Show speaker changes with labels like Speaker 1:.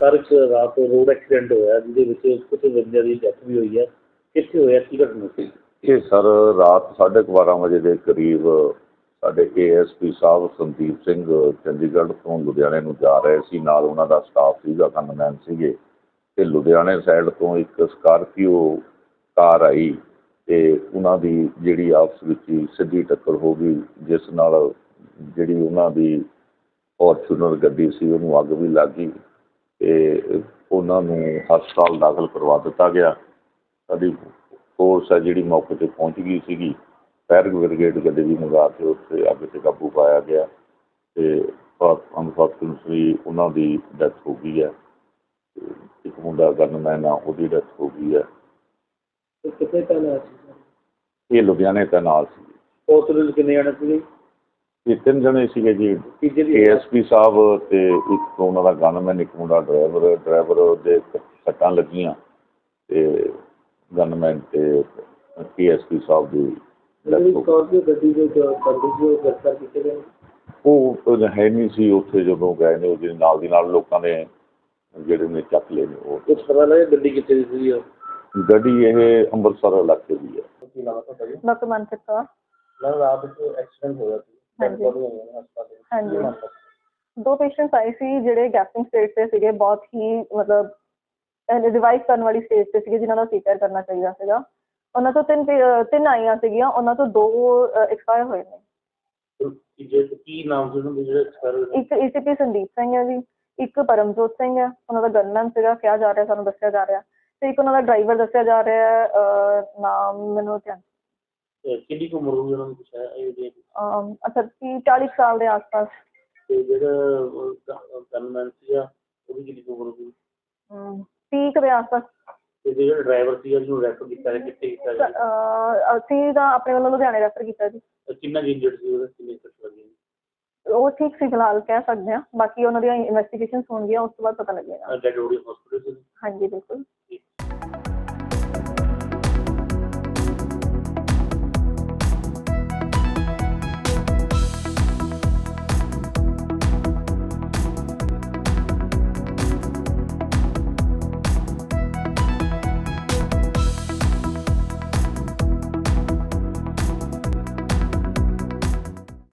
Speaker 1: Sir ਇੱਕ ਰਾਤ road accident ਹੋਇਆ ਜਿਹਦੇ ਵਿੱਚ ਕੁਝ ਬੰਦਿਆਂ ਦੀ ਡੈਥ ਵੀ ਹੋਈ ਹੈ, ਕਿੱਥੇ ਹੋਇਆ, ਕੀ ਘਟਨਾ ਸੀ?
Speaker 2: ਇਹ ਸਰ ਰਾਤ 12:30 ਵਜੇ ਦੇ ਕਰੀਬ ਸਾਡੇ ASP ਸਾਹਿਬ ਸੰਦੀਪ ਸਿੰਘ ਚੰਡੀਗੜ੍ਹ ਤੋਂ ਲੁਧਿਆਣੇ ਨੂੰ ਜਾ ਰਹੇ ਸੀ, ਨਾਲ ਉਹਨਾਂ ਦਾ ਸਟਾਫ ਸੀਗਾ, ਗਨਮੈਨ ਸੀਗੇ। ਅਤੇ ਲੁਧਿਆਣੇ ਸਾਈਡ ਤੋਂ ਇੱਕ ਸਕਾਰਪੀਓ ਕਾਰ ਆਈ ਅਤੇ ਉਹਨਾਂ ਦੀ ਜਿਹੜੀ ਆਪਸ ਵਿੱਚ ਹੀ ਸਿੱਧੀ ਟੱਕਰ ਹੋ ਗਈ, ਜਿਸ ਨਾਲ ਜਿਹੜੀ ਉਹਨਾਂ ਦੀ ਫੋਰਚੂਨਰ ਗੱਡੀ ਸੀ ਉਹਨੂੰ ਅੱਗ ਵੀ ਲੱਗ ਗਈ ਅਤੇ ਉਹਨਾਂ ਨੂੰ ਹਸਪਤਾਲ ਦਾਖਲ ਕਰਵਾ ਦਿੱਤਾ ਗਿਆ। ਸਾਡੀ ਫੋਰਸ ਹੈ ਜਿਹੜੀ ਮੌਕੇ 'ਤੇ ਪਹੁੰਚ ਗਈ ਸੀਗੀ, ਫਾਇਰ ਬ੍ਰਿਗੇਡ ਗੱਡੀ ਵੀ ਮੰਗਾ ਕੇ ਉੱਥੇ ਅੱਗ 'ਤੇ ਕਾਬੂ ਪਾਇਆ ਗਿਆ ਅਤੇ ਅਨਫੋਰਚੂਨੇਟਲੀ ਉਹਨਾਂ ਦੀ ਡੈਥ ਹੋ ਗਈ ਹੈ। ਇੱਕ ਮੁੰਡਾ ਗਨਮੈਨ ਆ, ਉਹਦੀ ਡੈਥ ਹੋ ਗਈ ਹੈ।
Speaker 1: ਕਿੱਥੇ ਤੈਨਾਤ ਸੀ?
Speaker 2: ਇਹ ਲੁਧਿਆਣੇ ਤੈਨਾਤ ਸੀ।
Speaker 1: ਹਸਪਤਾਲ ਕਿੰਨੇ ਜਾਣੇ ਸੀਗੇ?
Speaker 2: ਇਹ 3 ਜਣੇ ਸੀਗੇ ਜੀ, ASP ਸਾਹਿਬ ਅਤੇ ਇੱਕ ਉਹਨਾਂ ਦਾ ਗਨਮੈਨ, ਇੱਕ ਮੁੰਡਾ ਡਰਾਈਵਰ ਦੇ ਸੱਟਾਂ ਲੱਗੀਆਂ ਅਤੇ ਗਨਮੈਨ ਅਤੇ ASP ਸਾਹਿਬ ਦੀ
Speaker 1: ਗੱਡੀ ਦੇ ਗ੍ਰਿਫਤਾਰ ਕੀਤੇ ਗਏ?
Speaker 2: ਉਹ ਹੈ ਨਹੀਂ ਸੀ ਉੱਥੇ ਜਦੋਂ ਗਏ ਨੇ, ਉਹਦੇ ਨਾਲ ਦੀ ਨਾਲ ਲੋਕਾਂ ਨੇ ਜਿਹੜੇ ਨੇ ਚੱਕ ਲਏ ਨੇ। ਉਹ
Speaker 1: ਕੁਛ ਪਤਾ ਲੱਗਿਆ ਗੱਡੀ ਕਿੱਥੇ ਦੀ ਸੀਗੀ?
Speaker 2: ਗੱਡੀ ਇਹ ਅੰਮ੍ਰਿਤਸਰ ਇਲਾਕੇ ਦੀ ਹੈ।
Speaker 1: ਕੀ ਨਾਮ ਹੈ ਤੁਹਾਡਾ ਜੀ?
Speaker 3: ਡਾਕਟਰ ਮਨਪ੍ਰੀਤ ਕੌਰ।
Speaker 1: ਮੈਮ ਰਾਤ ਵਿੱਚ ਐਕਸੀਡੈਂਟ ਹੋਇਆ ਸੀ।
Speaker 3: ਹਾਂਜੀ, 2 ਪੇਸ਼ੈਂਟਸ ਆਏ ਸੀ ਜਿਹੜੇ ਗੈਸਟਿੰਗ ਸਟੇਜ 'ਤੇ ਸੀਗੇ, ਬਹੁਤ ਹੀ ਮਤਲਬ ਰਿਵਾਈਵ ਕਰਨ ਵਾਲੀ ਸਟੇਜ 'ਤੇ ਸੀਗੇ, ਜਿਨ੍ਹਾਂ ਦਾ CPR ਕਰਨਾ ਚਾਹੀਦਾ ਸੀਗਾ। ਉਹਨਾਂ ਤੋਂ 3 ਆਈਆਂ ਸੀਗੀਆਂ, ਉਹਨਾਂ ਤੋਂ 2 ਐਕਸਪਾਇਰ ਹੋਏ ਨੇ।
Speaker 1: ਕੀ ਨਾਮ ਸੀ ਉਹਨਾਂ ਦੇ ਜਿਹੜੇ ਐਕਸਪਾਇਰ ਹੋਏ? ਇੱਕ
Speaker 3: ACP ਸੰਦੀਪ ਸਿੰਘ ਹੈ ਜੀ, ਇੱਕ ਪਰਮਜੋਤ ਸਿੰਘ ਹੈ, ਉਹਨਾਂ ਦਾ ਗਨਮੈਨ ਸੀਗਾ, ਕਿਹਾ ਜਾ ਰਿਹਾ, ਸਾਨੂੰ ਦੱਸਿਆ ਜਾ ਰਿਹਾ, ਅਤੇ ਇੱਕ ਉਹਨਾਂ ਦਾ ਡਰਾਈਵਰ ਦੱਸਿਆ ਜਾ ਰਿਹਾ, ਨਾਮ ਮੈਨੂੰ ਧਿਆਨ।
Speaker 1: ਕਿੰਨੀ ਕੁ ਉਮਰ ਹੋਈ ਉਹਨਾਂ ਨੂੰ? ਕੁਛ ਹੈ
Speaker 3: ਅੱਛਾ 40 ਸਾਲ ਦੇ ਆਸ-ਪਾਸ।
Speaker 1: ਅਤੇ ਜਿਹੜਾ ਗਨਮੈਨ ਸੀਗਾ ਉਹਦੀ ਕਿੰਨੀ ਕੁ ਉਮਰ ਹੋਈ?
Speaker 3: 30 ਦੇ ਆਸ-ਪਾਸ।
Speaker 1: ਅਤੇ ਜਿਹੜਾ ਡਰਾਈਵਰ ਸੀਗਾ ਜਿਹਨੂੰ ਰੈਫਰ ਕੀਤਾ ਹੈ, ਕਿੱਥੇ ਕੀਤਾ ਜੀ?
Speaker 3: ਅਸੀਂ ਤਾਂ ਆਪਣੇ ਵੱਲੋਂ ਲੁਧਿਆਣੇ ਰੈਫਰ ਕੀਤਾ ਜੀ।
Speaker 1: ਕਿੰਨਾ ਇੰਜਰਡ ਸੀ ਉਹਦਾ, ਕਿੰਨੇ ਸੱਟ ਲੱਗੀ?
Speaker 3: ਉਹ ਠੀਕ ਸੀ ਫਿਲਹਾਲ, ਕਹਿ ਸਕਦੇ ਹਾਂ, ਬਾਕੀ ਉਹਨਾਂ ਦੀਆਂ ਇਨਵੈਸਟੀਗੇਸ਼ਨਸ ਹੋਣਗੀਆਂ, ਉਸ ਤੋਂ ਬਾਅਦ ਪਤਾ ਲੱਗੇਗਾ।
Speaker 1: Dead body hospital?
Speaker 3: ਹਾਂਜੀ ਬਿਲਕੁਲ।